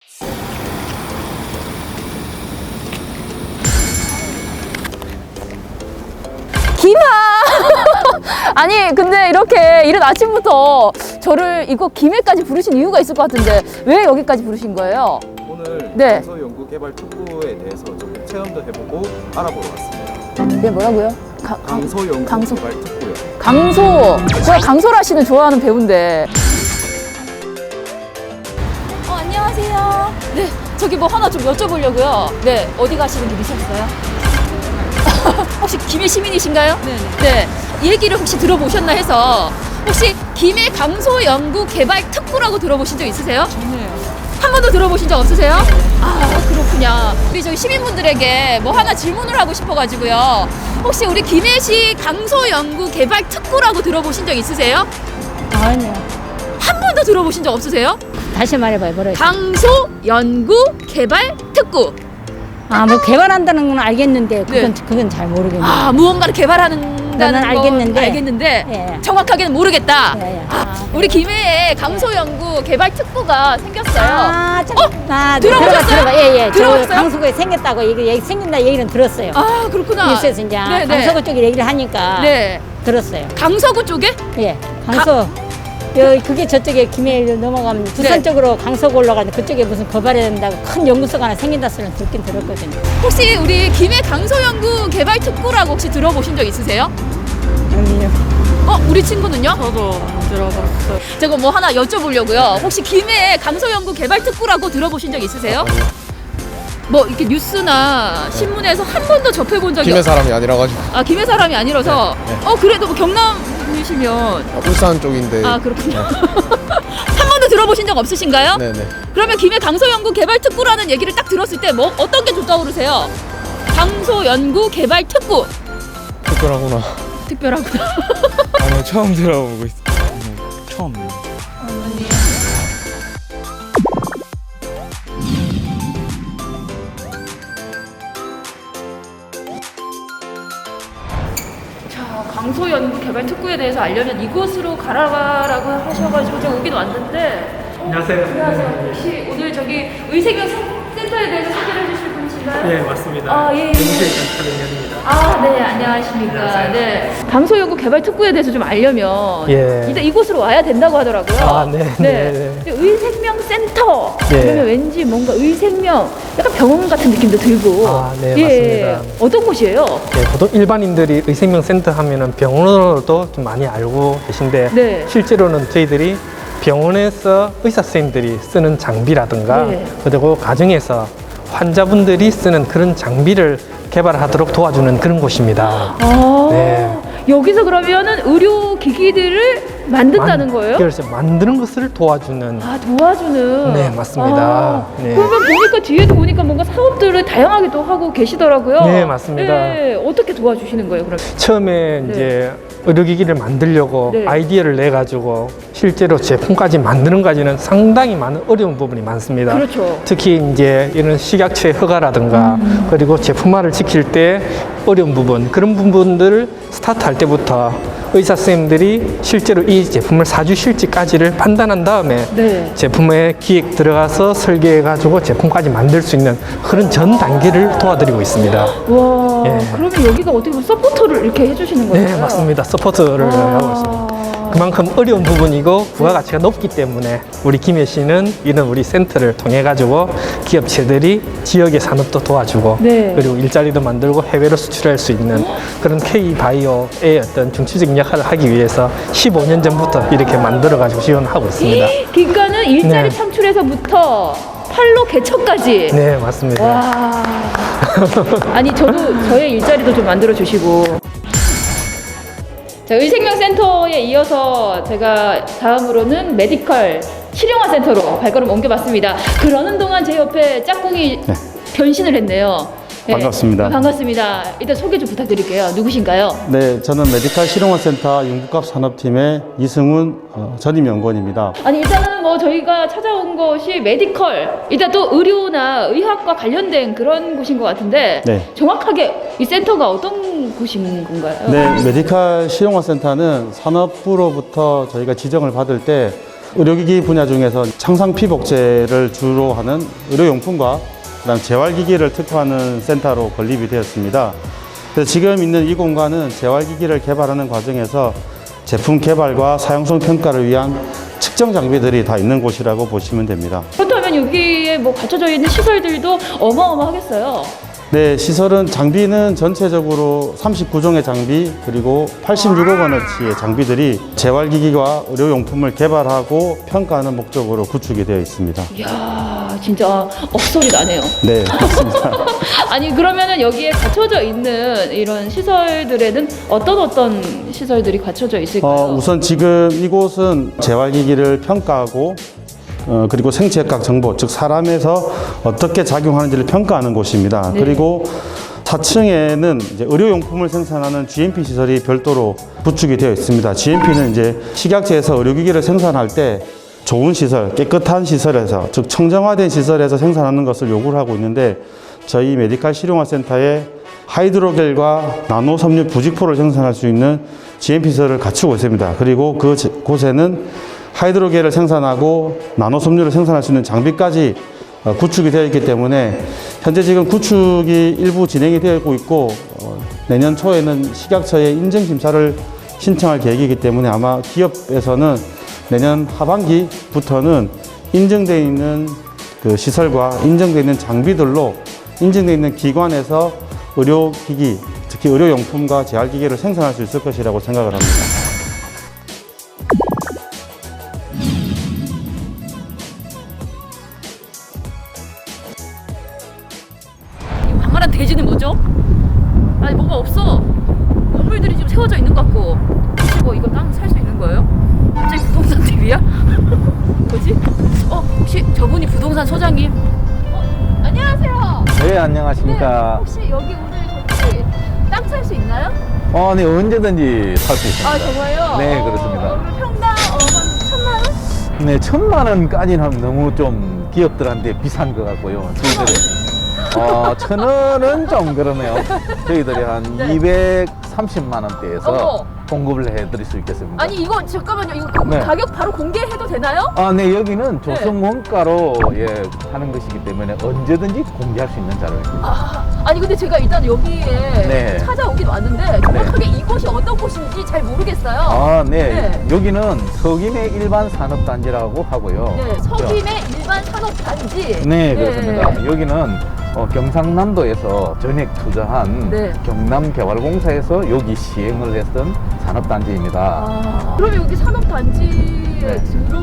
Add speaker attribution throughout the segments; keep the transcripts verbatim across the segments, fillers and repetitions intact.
Speaker 1: 김아! 아니 근데 이렇게 이른 아침부터 저를 이거 김해까지 부르신 이유가 있을 것 같은데 왜 여기까지 부르신 거예요?
Speaker 2: 오늘
Speaker 1: 네.
Speaker 2: 강서연구개발특구에 대해서 좀 체험도 해보고 알아보러 왔습니다.
Speaker 1: 네 뭐라고요? 가, 강,
Speaker 2: 강서연구개발특구요.
Speaker 1: 강소! 제가 강소라 씨는 좋아하는 배우인데. 어 안녕하세요. 네 저기 뭐 하나 좀 여쭤보려고요. 네 어디 가시는 길이셨어요? 혹시 김해 시민이신가요? 네네. 네. 얘기를 혹시 들어보셨나 해서 혹시 김해 강소연구개발특구라고 들어보신 적 있으세요?
Speaker 3: 좋네요.
Speaker 1: 한 번도 들어보신 적 없으세요? 아 그렇군요. 우리 저희 시민분들에게 뭐 하나 질문을 하고 싶어가지고요. 혹시 우리 김해시 강소연구개발특구라고 들어보신 적 있으세요?
Speaker 3: 아니요.
Speaker 1: 한 번도 들어보신 적 없으세요?
Speaker 3: 다시 말해봐요. 뭐래요?
Speaker 1: 강소연구개발특구.
Speaker 3: 아, 뭐 개발한다는 건 알겠는데 그건
Speaker 1: 네.
Speaker 3: 그건 잘 모르겠네요.
Speaker 1: 아 무언가를 개발하는다는
Speaker 3: 나는
Speaker 1: 건
Speaker 3: 알겠는데.
Speaker 1: 알겠는데
Speaker 3: 예.
Speaker 1: 정확하게는 모르겠다.
Speaker 3: 예, 예.
Speaker 1: 아,
Speaker 3: 아,
Speaker 1: 우리 김해에 강소연구개발특구가 생겼어요.
Speaker 3: 아, 참.
Speaker 1: 어?
Speaker 3: 아,
Speaker 1: 들어보셨어요?
Speaker 3: 들어가, 들어가. 예, 예.
Speaker 1: 들어보셨어요?
Speaker 3: 저 강서구에 생겼다고 얘기, 얘기 생긴다 얘기는 들었어요.
Speaker 1: 아 그렇구나.
Speaker 3: 뉴스에서 이제
Speaker 1: 네, 네.
Speaker 3: 강서구 쪽에 얘기를 하니까
Speaker 1: 네.
Speaker 3: 들었어요.
Speaker 1: 강서구 쪽에?
Speaker 3: 예, 강서. 여기 그게 저쪽에 김해를 넘어가면 부산
Speaker 1: 네.
Speaker 3: 쪽으로 강서구 올라가는데 그쪽에 무슨 개발해야 된다고 큰 연구소가 하나 생긴다 소리는 듣긴 들었거든요.
Speaker 1: 혹시 우리 김해 강소연구개발특구라고 혹시 들어보신 적 있으세요?
Speaker 3: 아니요.
Speaker 1: 어 우리 친구는요?
Speaker 4: 저도 안 들어봤어요.
Speaker 1: 제가 뭐 하나 여쭤보려고요. 혹시 김해 강소연구개발특구라고 들어보신 적 있으세요? 뭐 이렇게 뉴스나 신문에서 한 번도 접해본 적이
Speaker 5: 김해 사람이 아니라 가지고
Speaker 1: 아 김해 사람이 아니라서
Speaker 5: 네, 네.
Speaker 1: 어 그래도 뭐 경남이시면
Speaker 5: 울산 쪽인데.
Speaker 1: 아 그렇군요. 한 번도 들어보신 적 없으신가요?
Speaker 5: 네네.
Speaker 1: 그러면 김해 강소연구개발특구라는 얘기를 딱 들었을 때 뭐 어떤 게 좀 떠오르세요? 강소연구개발특구
Speaker 5: 특별하구나.
Speaker 1: 특별하구나.
Speaker 6: 아니요, 처음 들어보고 있어요. 처음.
Speaker 1: 자, 강소연구개발특구에 대해서 알려면 이곳으로 가라라고 하셔가지고 제가 오긴 왔는데.
Speaker 7: 안녕하세요.
Speaker 1: 안녕하세요. 혹시 오늘 저기 의생명 센터에 대해서 소개를 해주실 분이신가요?
Speaker 7: 네, 맞습니다.
Speaker 1: 아, 예, 예.
Speaker 7: 영주에 있는 차량입니다.
Speaker 1: 아, 네, 안녕하십니까.
Speaker 7: 안녕하세요.
Speaker 1: 네. 강소연구개발특구에 대해서 좀 알려면
Speaker 7: 예.
Speaker 1: 일단 이곳으로 와야 된다고 하더라고요.
Speaker 7: 아, 네, 네, 네.
Speaker 1: 의생명센터.
Speaker 7: 예.
Speaker 1: 그러면 왠지 뭔가 의생명, 약간 병원 같은 느낌도 들고.
Speaker 7: 아, 네,
Speaker 1: 예.
Speaker 7: 맞습니다.
Speaker 1: 어떤 곳이에요?
Speaker 7: 네, 보통 일반인들이 의생명센터 하면은 병원으로도 좀 많이 알고 계신데
Speaker 1: 네.
Speaker 7: 실제로는 저희들이 병원에서 의사 선생님들이 쓰는 장비라든가
Speaker 1: 네.
Speaker 7: 그리고 가정에서 환자분들이 쓰는 그런 장비를 개발하도록 도와주는 그런 곳입니다.
Speaker 1: 아,
Speaker 7: 네.
Speaker 1: 여기서 그러면은 의료기기들을 만든다는
Speaker 7: 만-
Speaker 1: 거예요?
Speaker 7: 그래서 만드는 것을 도와주는.
Speaker 1: 아, 도와주는.
Speaker 7: 네, 맞습니다.
Speaker 1: 아,
Speaker 7: 네.
Speaker 1: 그러면 보니까 뒤에도 보니까 뭔가 사업들을 다양하게 또 하고 계시더라고요.
Speaker 7: 네, 맞습니다.
Speaker 1: 예, 어떻게 도와주시는 거예요, 그럼?
Speaker 7: 처음에
Speaker 1: 네.
Speaker 7: 이제 의료기기를 만들려고
Speaker 1: 네.
Speaker 7: 아이디어를 내 가지고 실제로 제품까지 만드는 까지는 상당히 많은 어려운 부분이 많습니다.
Speaker 1: 그렇죠.
Speaker 7: 특히 이제 이런 식약처의 허가라든가
Speaker 1: 음.
Speaker 7: 그리고 제품화를 지킬 때 어려운 부분 그런 부분들을 스타트할 때부터 의사 선생님들이 실제로 이 제품을 사주실지까지를 판단한 다음에
Speaker 1: 네.
Speaker 7: 제품에 기획 들어가서 설계해 가지고 제품까지 만들 수 있는 그런 전 단계를 도와드리고 있습니다.
Speaker 1: 와,
Speaker 7: 예.
Speaker 1: 그러면 여기가 어떻게 보면 서포터를 이렇게 해주시는 거예요?
Speaker 7: 네, 맞습니다. 서포트를
Speaker 1: 아.
Speaker 7: 하고 있습니다. 그만큼 어려운 부분이고 부가가치가 높기 때문에 우리 김해시는 이런 우리 센터를 통해 가지고 기업체들이 지역의 산업도 도와주고
Speaker 1: 네.
Speaker 7: 그리고 일자리도 만들고 해외로 수출할 수 있는 그런 K바이오의 어떤 중추적인 역할을 하기 위해서 십오 년 전부터 이렇게 만들어 가지고 지원하고 있습니다.
Speaker 1: 그러니까는 일자리
Speaker 7: 네.
Speaker 1: 창출에서부터 판로 개척까지.
Speaker 7: 네, 맞습니다.
Speaker 1: 와. 아니 저도 저의 일자리도 좀 만들어 주시고. 자, 의생명센터에 이어서 제가 다음으로는 메디컬 실용화센터로 발걸음 옮겨봤습니다. 그러는 동안 제 옆에 짝꿍이
Speaker 8: 네.
Speaker 1: 변신을 했네요. 네.
Speaker 8: 반갑습니다.
Speaker 1: 반갑습니다. 일단 소개 좀 부탁드릴게요. 누구신가요?
Speaker 8: 네, 저는 메디컬 실용화센터 융복합 산업팀의 이승훈 어, 전임 연구원입니다.
Speaker 1: 아니 일단은 뭐 저희가 찾아온 것이 메디컬, 일단 또 의료나 의학과 관련된 그런 곳인 것 같은데
Speaker 8: 네.
Speaker 1: 정확하게 이 센터가 어떤 곳인 건가요?
Speaker 8: 네, 메디컬 실용화센터는 산업부로부터 저희가 지정을 받을 때 의료기기 분야 중에서 창상 피복제를 주로 하는 의료용품과 그다음 재활기기를 특화하는 센터로 건립이 되었습니다. 그래서 지금 있는 이 공간은 재활기기를 개발하는 과정에서 제품 개발과 사용성 평가를 위한 측정 장비들이 다 있는 곳이라고 보시면 됩니다.
Speaker 1: 그렇다면 여기에 뭐 갖춰져 있는 시설들도 어마어마하겠어요.
Speaker 8: 네, 시설은 장비는 전체적으로 삼십구 종의 장비 그리고 팔십육억 원어치의 장비들이 재활기기와 의료용품을 개발하고 평가하는 목적으로 구축이 되어 있습니다.
Speaker 1: 이야, 진짜 억소리 나네요.
Speaker 8: 네, 맞습니다.
Speaker 1: 아니 그러면은 여기에 갖춰져 있는 이런 시설들에는 어떤 어떤 시설들이 갖춰져 있을까요?
Speaker 8: 어, 우선 지금 이곳은 재활기기를 평가하고 어, 그리고 생체학적 정보, 즉 사람에서 어떻게 작용하는지를 평가하는 곳입니다.
Speaker 1: 네.
Speaker 8: 그리고 사 층에는 이제 의료용품을 생산하는 지엠피 시설이 별도로 구축이 되어 있습니다. 지엠피는 이제 식약처에서 의료기기를 생산할 때 좋은 시설, 깨끗한 시설에서, 즉 청정화된 시설에서 생산하는 것을 요구를 하고 있는데 저희 메디칼 실용화 센터에 하이드로겔과 나노 섬유 부직포를 생산할 수 있는 지엠피 시설을 갖추고 있습니다. 그리고 그 곳에는 하이드로겔을 생산하고 나노 섬유를 생산할 수 있는 장비까지 구축이 되어 있기 때문에 현재 지금 구축이 일부 진행이 되고 있고 내년 초에는 식약처에 인증 심사를 신청할 계획이기 때문에 아마 기업에서는 내년 하반기부터는 인증되어 있는 그 시설과 인증되어 있는 장비들로 인증되어 있는 기관에서 의료기기, 특히 의료용품과 재활기기를 생산할 수 있을 것이라고 생각을 합니다.
Speaker 1: 이 광활한 대지는 뭐죠? 아니 뭐가 없어. 건물들이 지금 세워져 있는 것 같고. 혹시 뭐 이거 땅 살 수 있는 거예요? 갑자기 부동산 티비야? 뭐지? 어 혹시 저분이 부동산 소장님? 어 안녕하세요.
Speaker 9: 네, 안녕하십니까.
Speaker 1: 네, 혹시 여기 오늘 저기 땅 살 수 있나요?
Speaker 9: 어, 네, 언제든지 살 수 있습니다.
Speaker 1: 아 정말요?
Speaker 9: 네,
Speaker 1: 어,
Speaker 9: 그렇습니다.
Speaker 1: 오늘 평당 어, 한 천만 원?
Speaker 9: 네, 천만 원까지는 하면 너무 좀 기업들한테 비싼 것 같고요. 저희들이 어, 천 원은 좀 그러네요. 저희들이 한
Speaker 1: 네.
Speaker 9: 이백삼십만 원대에서
Speaker 1: 어머.
Speaker 9: 공급을 해드릴 수 있겠습니다.
Speaker 1: 아니 이거 잠깐만요. 이거
Speaker 9: 네.
Speaker 1: 가격 바로 공개해도 되나요?
Speaker 9: 아, 네, 여기는 조성 원가로 예, 하는 것이기 때문에 언제든지 공개할 수 있는 자료입니다.
Speaker 1: 아, 아니 근데 제가 일단 여기에
Speaker 9: 네.
Speaker 1: 찾아오긴 왔는데 정확하게 이곳이 어떤 곳인지 잘 모르겠어요.
Speaker 9: 아, 네.
Speaker 1: 네.
Speaker 9: 여기는 서김의 일반 산업단지라고 하고요.
Speaker 1: 네, 서김의 일반 산업단지.
Speaker 9: 네, 그렇습니다. 여기는 어, 경상남도에서 전액 투자한
Speaker 1: 네.
Speaker 9: 경남개발공사에서 여기 시행을 했던 산업단지입니다.
Speaker 1: 아, 그러면 여기 산업단지에
Speaker 9: 네.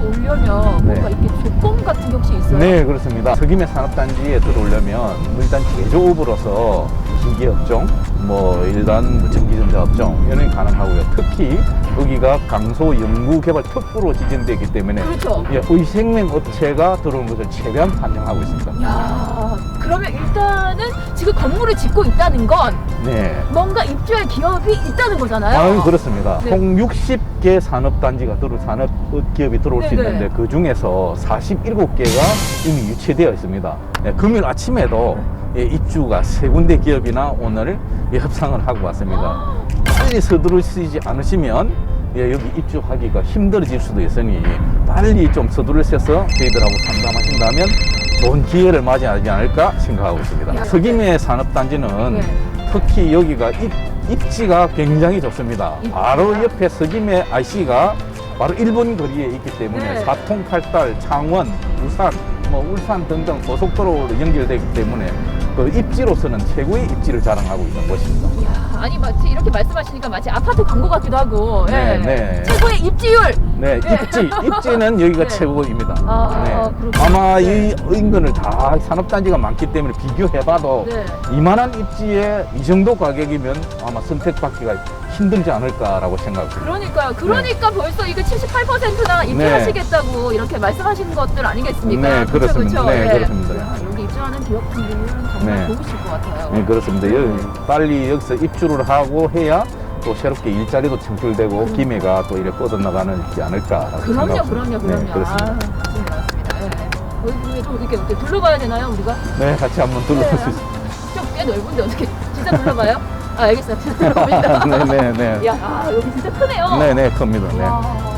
Speaker 1: 들어오려면
Speaker 9: 네.
Speaker 1: 뭔가 이렇게 조건 같은 게 혹시 있어요?
Speaker 9: 네, 그렇습니다. 서김의 산업단지에 들어오려면 일단 제조업으로서 기계업종, 뭐 일반 뭐 전기전자업종 이런 게 가능하고요. 특히 여기가 강소 연구개발 특구로 지정되기 때문에
Speaker 1: 그렇죠.
Speaker 9: 예, 의생명 업체가 들어오는 것을 최대한 판정하고 있습니다.
Speaker 1: 야, 그러면 일단은 지금 건물을 짓고 있다는 건
Speaker 9: 네.
Speaker 1: 뭔가 입주할 기업이 있다는 거잖아요.
Speaker 9: 아, 그렇습니다.
Speaker 1: 네.
Speaker 9: 총 육십 개 산업단지가 들어 산업 기업이 들어올 수
Speaker 1: 네네.
Speaker 9: 있는데 그 중에서 사십칠 개가 이미 유치되어 있습니다. 네, 금요일 아침에도 예, 입주가 세 군데 기업이나 오늘 예, 협상을 하고 왔습니다. 빨리 서두르시지 않으시면 예, 여기 입주하기가 힘들어질 수도 있으니 빨리 좀 서두르셔서 저희들하고 상담하신다면 좋은 기회를 맞이하지 않을까 생각하고 있습니다. 서김의 산업단지는
Speaker 1: 네.
Speaker 9: 특히 여기가 입, 입지가 굉장히 좋습니다. 바로 옆에 서김의 아이씨가 바로 일 분 거리에 있기 때문에
Speaker 1: 네.
Speaker 9: 사통팔달, 창원, 부산, 뭐 울산 등등 고속도로로 연결되기 때문에 그 입지로서는 최고의 입지를 자랑하고 있는 곳입니다.
Speaker 1: 이야, 아니 마치 이렇게 말씀하시니까 마치 아파트 광고 같기도 하고.
Speaker 9: 네,
Speaker 1: 예.
Speaker 9: 네.
Speaker 1: 최고의 입지율.
Speaker 9: 네,
Speaker 1: 네.
Speaker 9: 입지, 입지는 여기가
Speaker 1: 네.
Speaker 9: 최고입니다.
Speaker 1: 아,
Speaker 9: 네.
Speaker 1: 그렇군요.
Speaker 9: 아마
Speaker 1: 네.
Speaker 9: 이 인근을 다 산업단지가 많기 때문에 비교해봐도
Speaker 1: 네.
Speaker 9: 이만한 입지에 이 정도 가격이면 아마 선택받기가 힘들지 않을까라고 생각합니다.
Speaker 1: 그러니까 그러니까 벌써 이거 칠십팔 퍼센트나 입주하시겠다고 이렇게 말씀하신 것들 아니겠습니까?
Speaker 9: 네,
Speaker 1: 그쵸,
Speaker 9: 그렇습니다.
Speaker 1: 그쵸?
Speaker 9: 네, 그렇습니다.
Speaker 1: 야, 여기 입주하는 기업분들은 정말
Speaker 9: 네.
Speaker 1: 좋으실 것 같아요.
Speaker 9: 네, 그렇습니다. 여기 빨리 여기서 입주를 하고 해야 또 새롭게 일자리도 창출되고 기회가 또 이렇게 뻗어나가지 않을까라고
Speaker 1: 음. 그럼요,
Speaker 9: 생각합니다.
Speaker 1: 그럼요, 그럼요.
Speaker 9: 네, 그렇습니다.
Speaker 1: 아, 좋은 것 같습니다. 예. 여기 좀 이렇게, 이렇게 둘러봐야 되나요, 우리가?
Speaker 9: 네, 같이 한번 둘러볼 수 있습니다.
Speaker 1: 좀 꽤 넓은데 어떻게 진짜 둘러봐요? 아, 알겠어요. 진짜 둘러봅니다.
Speaker 9: 네, 네, 네.
Speaker 1: 야, 아, 여기 진짜 크네요.
Speaker 9: 네, 네, 큽니다. 네.
Speaker 1: 와.